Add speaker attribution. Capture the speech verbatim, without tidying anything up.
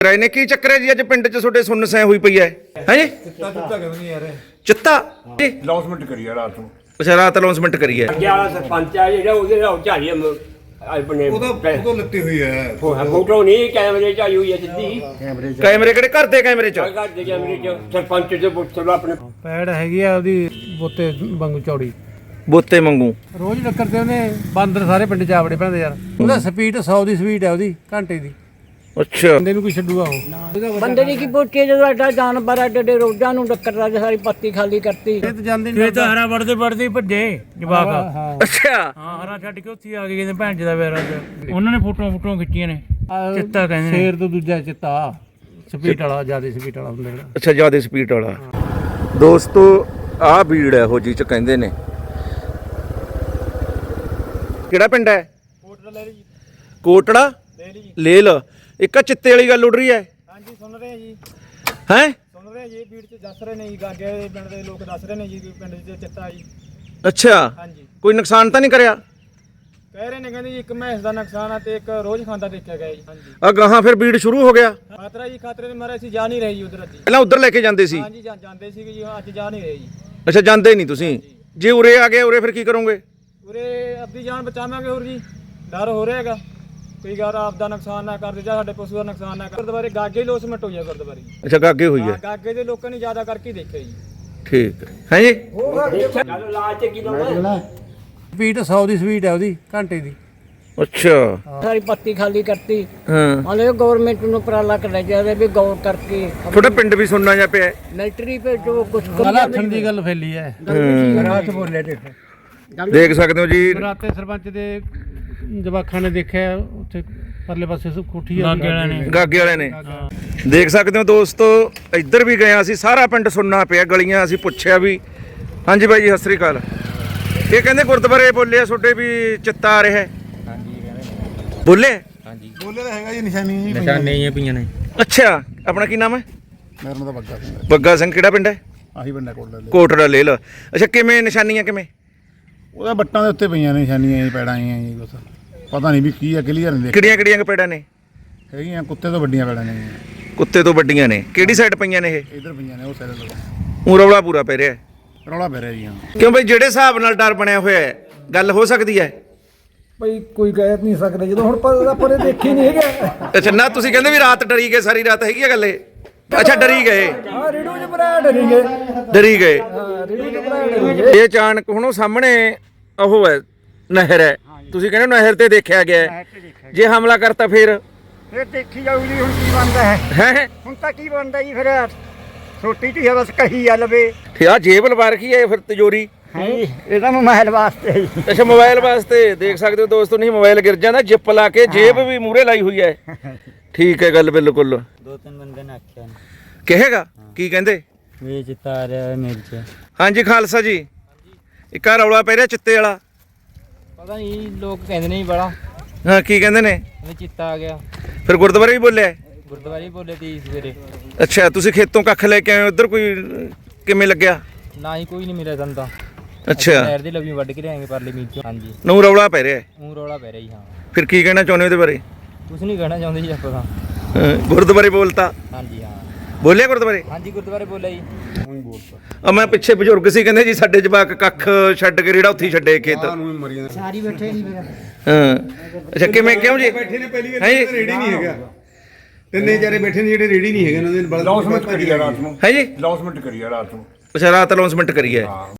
Speaker 1: ਰਾਏ ਨੇ ਕੀ ਚੱਕਰ ਹੈ ਜੀ ਅੱਜ ਪਿੰਡ 'ਚ ਤੁਹਾਡੇ ਸੁੰਨ ਸੈ ਹੋਈ ਪਈ ਹੈ ਹੈ ਜੀ
Speaker 2: ਚਿੱਤਾ ਚਿੱਤਾ ਕਿਉਂ ਨਹੀਂ ਯਾਰ
Speaker 1: ਚਿੱਤਾ ਜੀ
Speaker 2: ਅਨਾਉਂਸਮੈਂਟ ਕਰੀ ਆ ਰਾਤ ਨੂੰ
Speaker 1: ਅੱਛਾ ਰਾਤ ਅਨਾਉਂਸਮੈਂਟ ਕਰੀ ਹੈ
Speaker 3: ਅੱਗੇ ਵਾਲਾ ਸਰਪੰਚ ਆ ਜਿਹੜਾ ਉਹਦੇ ਨਾਲ ਝਾੜੀ ਆਪਣੇ
Speaker 2: ਉਹਦਾ ਉਹਦਾ ਲੱਤੀ ਹੋਈ ਹੈ
Speaker 3: ਫੋਟੋ ਨਹੀਂ ਕੈਮਰੇ 'ਚ ਆਈ ਹੋਈ ਹੈ ਸਿੱਧੀ
Speaker 1: ਕੈਮਰੇ ਕਿਹੜੇ ਘਰ ਦੇ ਕੈਮਰੇ 'ਚ
Speaker 3: ਘਰ ਦੇ ਕੈਮਰੇ 'ਚ ਸਰਪੰਚ ਦੇ ਪੁੱਛ ਲਓ ਆਪਣੇ
Speaker 4: ਪੈੜ ਹੈਗੀ ਆ ਉਹਦੀ ਬੋਤੇ ਵਾਂਗੂ ਚੌੜੀ
Speaker 1: ਬੋਤੇ ਮੰਗੂ
Speaker 4: ਰੋਜ਼ ਟੱਕਰ ਤੇ ਉਹਨੇ ਬਾਂਦਰ ਸਾਰੇ ਪਿੰਡ ਚ ਆਵੜੇ ਪੈਂਦੇ ਯਾਰ ਉਹਦਾ ਸਪੀਡ ਸੌ ਦੀ ਸਪੀਡ ਹੈ ਉਹਦੀ ਘੰਟੇ ਦੀ
Speaker 1: ਅੱਛਾ
Speaker 4: ਬੰਦੇ ਨੂੰ ਕੋਈ ਛੱਡੂਗਾ ਉਹ
Speaker 5: ਬੰਦੇ ਦੀ ਕੀ ਪੁੱਛੇ ਜਦੋਂ ਐਡਾ ਜਾਨਵਰ ਐਡੇ ਐਡੇ ਰੋਜ਼ਾਂ ਨੂੰ ਟੱਕਰਦਾ ਜੇ ਸਾਰੀ ਪੱਤੀ ਖਾਲੀ ਕਰਤੀ
Speaker 4: ਇਹ ਤਾਂ ਜਾਂਦੇ ਨਹੀਂ
Speaker 6: ਤਾਂ ਹਰਾ ਵੜਦੇ ਵੜਦੇ ਭੱਜੇ ਜਵਾਕ
Speaker 4: ਹਾਂ
Speaker 1: ਅੱਛਾ
Speaker 6: ਹਾਂ ਹਰਾ ਛੱਡ ਕੇ ਉੱਥੇ ਆ ਗਏ ਕਹਿੰਦੇ ਭੈਣ ਜੀ ਦਾ ਵੇਰਾ ਉਹਨਾਂ ਨੇ ਫੋਟੋਆਂ ਫੋਟੋਆਂ ਖਿੱਚੀਆਂ ਨੇ ਚਿੱਤਾ ਕਹਿੰਦੇ ਨੇ
Speaker 4: ਸ਼ੇਰ ਤੋਂ ਦੂਜਾ ਚਿੱਤਾ ਸਪੀਡ ਵਾਲਾ ਜਿਆਦਾ ਸਪੀਡ ਵਾਲਾ ਹੁੰਦਾ ਜਿਹੜਾ
Speaker 1: ਅੱਛਾ ਜਿਆਦਾ ਸਪੀਡ ਵਾਲਾ ਦੋਸਤੋ ਆਹ ਭੀੜ ਹੈ ਹੋ ਜੀ ਚ ਕਹਿੰਦੇ ਨੇ ਕਿਹੜਾ ਪਿੰਡ ਹੈ
Speaker 4: ਕੋਟੜਾ ਲੈ ਲਈ
Speaker 1: ਕੋਟੜਾ
Speaker 4: ਲੈ ਲਈ
Speaker 1: ਲੇਲ ਇੱਕ ਆ ਚਿੱਤੇ ਵਾਲੀ ਗੱਲ ਉੱਡ ਰਹੀ ਹੈ
Speaker 4: ਹਾਂਜੀ ਸੁਣ ਰਹੇ ਆ ਜੀ
Speaker 1: ਹੈ
Speaker 4: ਸੁਣ ਰਹੇ ਜੀ ਭੀੜ ਚ ਦੱਸ ਰਹੇ ਨੇ ਜੀ ਗਾਗੇ ਦੇ ਪਿੰਡ ਦੇ ਲੋਕ ਦੱਸ ਰਹੇ ਨੇ ਜੀ ਕਿ ਪਿੰਡ ਚ ਚਿੱਤਾ ਜੀ
Speaker 1: ਅੱਛਾ
Speaker 4: ਹਾਂਜੀ
Speaker 1: ਕੋਈ ਨੁਕਸਾਨ ਤਾਂ ਨਹੀਂ ਕਰਿਆ
Speaker 4: ਕਹਿ ਰਹੇ ਨੇ ਕਹਿੰਦੇ ਜੀ ਇੱਕ ਮੈਸ ਦਾ ਨੁਕਸਾਨ ਆ ਤੇ ਇੱਕ ਰੋਜ਼ ਖਾਂਦਾ ਦੇਖਿਆ ਗਿਆ ਜੀ ਹਾਂਜੀ
Speaker 1: ਆ ਗਾਹਾਂ ਫਿਰ ਭੀੜ ਸ਼ੁਰੂ ਹੋ ਗਿਆ
Speaker 4: ਖਾਤਰਾ ਜੀ ਖਾਤਰੇ ਦੇ ਮਾਰੇ ਅਸੀਂ ਜਾ ਨਹੀਂ ਰਹੇ ਜੀ ਉਧਰ ਅੱਜ
Speaker 1: ਪਹਿਲਾਂ ਉਧਰ ਲੈ ਕੇ ਜਾਂਦੇ ਸੀ
Speaker 4: ਹਾਂਜੀ ਜਾਂ- ਜਾਂਦੇ ਸੀਗੇ ਜੀ ਅੱਜ ਜਾ ਨਹੀਂ ਰਹੇ ਜੀ
Speaker 1: ਅੱਛਾ ਜਾਂਦੇ ਨਹੀਂ ਤੁਸੀਂ ਜੇ ਉਰੇ ਆ ਗਏ ਉਰੇ ਫਿਰ ਕੀ ਕਰੋਗੇ
Speaker 4: ਉਰੇ ਆਪਣੀ ਜਾਨ ਬਚਾਵਾਂਗੇ ਹੋਰ ਜੀ ਡਰ ਹੋ ਰਿਹਾ ਹੈਗਾ ਕੋਈ ਗੱਲ ਆਪ ਦਾ ਨੁਕਸਾਨ ਨਾ ਕਰ ਦੇ ਜਾਂ ਸਾਡੇ ਪਸ਼ੂ ਦਾ ਨੁਕਸਾਨ ਨਾ ਕਰ ਗੁਰਦੁਆਰੇ ਗਾਗੇ ਲੋਸਮੈਂਟ ਹੋਈ ਹੈ ਗੁਰਦੁਆਰੇ
Speaker 1: ਅੱਛਾ ਗਾਗੇ ਹੋਈ
Speaker 4: ਹਾਂ
Speaker 1: ਹੈ
Speaker 4: ਗਾਗੇ ਦੇ ਲੋਕਾਂ ਨੇ ਜ਼ਿਆਦਾ ਕਰਕੇ ਹੀ ਦੇਖਿਆ ਜੀ
Speaker 1: ਠੀਕ ਹੈ ਹੈ ਜੀ
Speaker 3: ਚੱਲ ਲਾਜ ਤੇ ਕੀ ਲਾਉਣਾ
Speaker 4: ਸਪੀਡ ਸੌ ਦੀ ਸਪੀਡ ਹੈ ਉਹਦੀ ਘੰਟੇ ਦੀ
Speaker 1: ਅੱਛਾ
Speaker 5: ਸਾਰੀ ਪੱਤੀ ਖਾਲੀ ਕਰਤੀ
Speaker 1: ਹਾਂ
Speaker 5: ਹਲੇ ਗਵਰਨਮੈਂਟ ਨੂੰ ਉਪਰਾਲਾ ਕਰਨਾ ਚਾਹੀਦਾ ਵੀ ਗੌਰ ਕਰਕੇ
Speaker 1: ਤੁਹਾਡਾ ਪਿੰਡ ਵੀ ਸੁਣਨਾ ਜਾ ਪਿਆ ਹੈ।
Speaker 5: ਮਿਲਟਰੀ ਭੇਜੋ ਕੁਝ
Speaker 4: ਮਲਾਥਣ ਦੀ ਗੱਲ ਫੈਲੀ ਹੈ ਰਾਤ ਬੋਲੇ ਤੇ
Speaker 1: ਦੇਖ ਸਕਦੇ ਹੋ ਜੀ
Speaker 4: ਰਾਤੇ ਸਰਪੰਚ ਦੇ ਜਵਾਖਾਂ ਨੇ ਦੇਖਿਆ ਉੱਥੇ ਪਰਲੇ ਪਾਸੇ ਸੁ ਕੋਠੀ ਆ
Speaker 6: ਗਾਗੇ ਵਾਲਿਆਂ ਨੇ
Speaker 1: ਗਾਗੇ ਵਾਲੇ ਨੇ ਦੇਖ ਸਕਦੇ ਹੋ ਦੋਸਤੋ ਇੱਧਰ ਵੀ ਗਏ ਅਸੀਂ ਸਾਰਾ ਪਿੰਡ ਸੁਣਨਾ ਪਿਆ ਗਲੀਆਂ ਅਸੀਂ ਪੁੱਛਿਆ ਵੀ ਹਾਂਜੀ ਬਾਈ ਜੀ ਸਤਿ ਸ੍ਰੀ ਅਕਾਲ ਇਹ ਕਹਿੰਦੇ ਗੁਰਦੁਆਰੇ ਬੋਲੇ ਆ ਤੁਹਾਡੇ ਵੀ ਚਿੱਤਾ ਆ ਰਿਹਾ ਹੈ ਬੋਲੇ
Speaker 2: ਬੋਲੇ ਤਾਂ ਹੈਗਾ ਜੀ ਨਿਸ਼ਾਨੀ ਜੀ
Speaker 6: ਨਿਸ਼ਾਨੀਆਂ ਪਈਆਂ ਨੇ
Speaker 1: ਅੱਛਾ ਆਪਣਾ ਕੀ ਨਾਮ ਹੈ
Speaker 2: ਮੇਰਾ ਨਾਮ ਤਾਂ ਬੱਗਾ ਸਿੰਘ ਹੈ
Speaker 1: ਬੱਗਾ ਸਿੰਘ ਕਿਹੜਾ ਪਿੰਡ ਹੈ
Speaker 2: ਆਹੀ ਬੰਦਾ ਕੋਲ ਲੈ
Speaker 1: ਕੋਟੜਾ ਲੇਲ ਅੱਛਾ ਕਿਵੇਂ ਨਿਸ਼ਾਨੀਆਂ ਕਿਵੇਂ
Speaker 2: ਉਹਦਾ ਬੱਟਾਂ ਦੇ ਉੱਤੇ ਪਈਆਂ ਨੇ ਨਿਸ਼ਾਨੀਆਂ ਜੀ ਪੈੜਾਂ ਆਈਆਂ ਜੀ ਕੁਛ ਪਤਾ ਨਹੀਂ ਵੀ ਕੀ ਆ ਕਲੀਅਰ ਨਹੀਂ ਦੇਖ
Speaker 1: ਕਿਹੜੀਆਂ ਕਿਹੜੀਆਂ ਕਪੇੜਾਂ ਨੇ
Speaker 2: ਹੈਗੀਆਂ ਕੁੱਤੇ ਤੋਂ ਵੱਡੀਆਂ ਪੈੜਾਂ ਨੇ ਜੀ
Speaker 1: ਕੁੱਤੇ ਤੋਂ ਵੱਡੀਆਂ ਨੇ ਕਿਹੜੀ ਸਾਈਡ ਪਈਆਂ ਨੇ ਇਹ
Speaker 2: ਇੱਧਰ ਪਈਆਂ ਨੇ ਉਹ ਸਾਈਡ ਤੋਂ
Speaker 1: ਊਂ ਰੌਲਾ ਪੂਰਾ ਪੈ ਰਿਹਾ ਹੈ।
Speaker 2: ਰੌਲਾ ਪੈ ਰਿਹਾ ਜੀ ਹਾਂ
Speaker 1: ਕਿਉਂ ਬਈ ਜਿਹੜੇ ਹਿਸਾਬ ਨਾਲ ਡਰ ਬਣਿਆ ਹੋਇਆ ਹੈ ਗੱਲ ਹੋ ਸਕਦੀ ਹੈ
Speaker 7: ਭਾਈ ਕੋਈ ਕਹਿ ਨਹੀਂ ਸਕਦਾ ਜਦੋਂ ਹੁਣ ਪਰ ਆਪਾਂ ਨੇ ਦੇਖੀ ਨਹੀਂ ਹੈਗਾ
Speaker 1: ਅੱਛਾ ਨਾ ਤੁਸੀਂ ਕਹਿੰਦੇ ਵੀ ਰਾਤ ਡਰੀ ਗਏ ਸਾਰੀ ਰਾਤ ਹੈਗੀ ਆ ਗੱਲ ਇਹ ਅੱਛਾ ਡਰੀ ਗਏ
Speaker 7: ਹਾਂ ਰੇਡੂ ਚ ਭਰਾ ਡਰੀ ਗਏ
Speaker 1: ਡਰੀ ਗਏ
Speaker 7: ਹਾਂ ਰੇਡੂ ਚ ਭਰਾ ਡਰੀ ਗਏ
Speaker 1: ਇਹ ਅਚਾਨਕ ਹੁਣ ਉਹ ਸਾਹਮਣੇ ਉਹ ਹੈ ਨਹਿਰ ਹੈ ਤੁਸੀਂ ਕਹਿੰਦੇ ਹੋ ਨਹਿਰ ਤੇ ਦੇਖਿਆ ਗਿਆ ਹੈ। ਜੇ ਹਮਲਾ ਕਰਤਾ ਫਿਰ
Speaker 8: ਫਿਰ ਦੇਖੀ ਜਾਊ ਜੀ ਹੁਣ ਕੀ ਬਣਦਾ ਹੈ
Speaker 1: ਹੈ
Speaker 8: ਹੁਣ ਤਾਂ ਕੀ ਬਣਦਾ ਜੀ ਫਿਰ ਛੋਟੀ ਢੀ ਬਸ ਕਹੀ ਆ ਲਵੇ
Speaker 1: ਤੇ ਆ ਜੇਬ ਲਵਾ ਰੱਖੀ ਹੈ ਫਿਰ ਤਿਜੋਰੀ
Speaker 8: ਹਾਂਜੀ ਇਹਦਾ ਮੋਬਾਈਲ ਵਾਸਤੇ ਜੀ
Speaker 1: ਅੱਛਾ ਮੋਬਾਈਲ ਵਾਸਤੇ ਦੇਖ ਸਕਦੇ ਹੋ ਦੋਸਤੋ ਨਹੀਂ ਮੋਬਾਈਲ ਗਿਰ ਜਾਂਦਾ ਜਿੱਪ ਲਾ ਕੇ ਜੇਬ ਵੀ ਮੂਰੇ ਲਾਈ ਹੋਈ ਹੈ ਠੀਕ ਹੈ ਗੱਲ ਬਿਲਕੁਲ
Speaker 6: ਦੋ ਤਿੰਨ ਬੰਦੇ ਨੇ ਆਖਿਆ
Speaker 1: ਕਹੇਗਾ ਕੀ ਕਹਿੰਦੇ
Speaker 6: ਵੀ ਚਿੱਤਾ ਆ ਰਿਹਾ ਮੇਰੇ ਚ
Speaker 1: ਹਾਂਜੀ ਖਾਲਸਾ ਜੀ ਇੱਕ ਆ ਰੌਲਾ ਪੈ ਰਿਹਾ ਚਿੱਤੇ ਵਾਲਾ
Speaker 6: ਪਤਾ ਨਹੀਂ ਲੋਕ ਕਹਿੰਦੇ ਨੇ ਬੜਾ
Speaker 1: ਹਾਂ ਕੀ ਕਹਿੰਦੇ ਨੇ
Speaker 6: ਵੀ ਚਿੱਤਾ ਆ ਗਿਆ
Speaker 1: ਫਿਰ ਗੁਰਦੁਆਰੇ ਵੀ ਬੋਲਿਆ
Speaker 6: ਗੁਰਦੁਆਰੇ ਬੋਲੇ ਤੀ ਸਵੇਰੇ
Speaker 1: ਅੱਛਾ ਤੁਸੀਂ ਖੇਤੋਂ ਕੱਖ ਲੈ ਕੇ ਆਏ ਉਧਰ ਕੋਈ ਕਿਵੇਂ ਲੱਗਿਆ
Speaker 6: ਨਾ ਹੀ ਕੋਈ ਨਹੀਂ ਮਿਲਿਆ ਸਾਨੂੰ ਤਾਂ
Speaker 1: ਅੱਛਾ
Speaker 6: ਨਹਿਰ ਦੀ ਲਵੀ ਵੱਢ ਕੇ ਲਿਆਏਗੇ ਪਰਲੇ ਮੀਚ ਚੋਂ ਹਾਂਜੀ
Speaker 1: ਨੂੰ ਰੌਲਾ ਪੈ ਰਿਹਾ ਹੈ।
Speaker 6: ਊਂ ਰੌਲਾ ਪੈ ਰਿਹਾ ਜੀ ਹਾਂ
Speaker 1: ਫਿਰ ਕੀ ਕਹਿਣਾ ਚਾਹੁੰਦੇ ਉਹਦੇ ਬਾਰੇ
Speaker 6: ਕੁਛ ਨਹੀਂ ਕਹਿਣਾ ਚਾਹੁੰਦੇ ਜੀ ਆਪਾਂ ਤਾਂ
Speaker 1: ਹਾਂ, ਗੁਰਦੁਆਰੇ ਬੋਲਤਾ
Speaker 6: ਹਾਂਜੀ ਹਾਂ
Speaker 1: ਬੋਲਿਆ ਗੁਰਦੁਆਰੇ
Speaker 6: ਹਾਂਜੀ ਗੁਰਦੁਆਰੇ ਬੋਲਿਆ ਜੀ
Speaker 1: ਆ ਮੈਂ ਪਿੱਛੇ ਬਜ਼ੁਰਗ ਸੀ ਕਹਿੰਦੇ ਜੀ ਸਾਡੇ ਜਵਾਕ ਕੱਖ ਛੱਡ ਕੇ ਰੇੜਾ ਉੱਥੇ ਹੀ ਛੱਡੇ ਖੇਤ
Speaker 8: ਸਾਰੀ ਬੈਠੇ ਨਹੀਂ ਮੇਰਾ
Speaker 1: ਹਾਂ ਅੱਛਾ ਕਿਵੇਂ ਕਿਉਂ ਜੀ
Speaker 2: ਬੈਠੇ ਨੇ ਪਹਿਲੀ
Speaker 1: ਹੈਂ ਜੀ?
Speaker 2: ਰੇੜੀ ਨਹੀਂ ਹੈਗਾ ਤਿੰਨੇ ਚਾਰੇ ਬੈਠੇ ਨੇ ਜਿਹੜੇ ਰੇੜੀ ਨਹੀਂ ਹੈਗੇ ਉਹਨਾਂ ਦੇ
Speaker 3: ਅਨਾਉਂਸਮੈਂਟ ਕਰੀ ਆ ਰਾਤ ਨੂੰ
Speaker 1: ਹੈ ਜੀ
Speaker 3: ਅਨਾਉਂਸਮੈਂਟ ਕਰੀ ਆ ਰਾਤ ਨੂੰ
Speaker 1: ਅੱਛਾ ਰਾਤ ਅਨਾਉਂਸਮੈਂਟ ਕਰੀ ਹੈ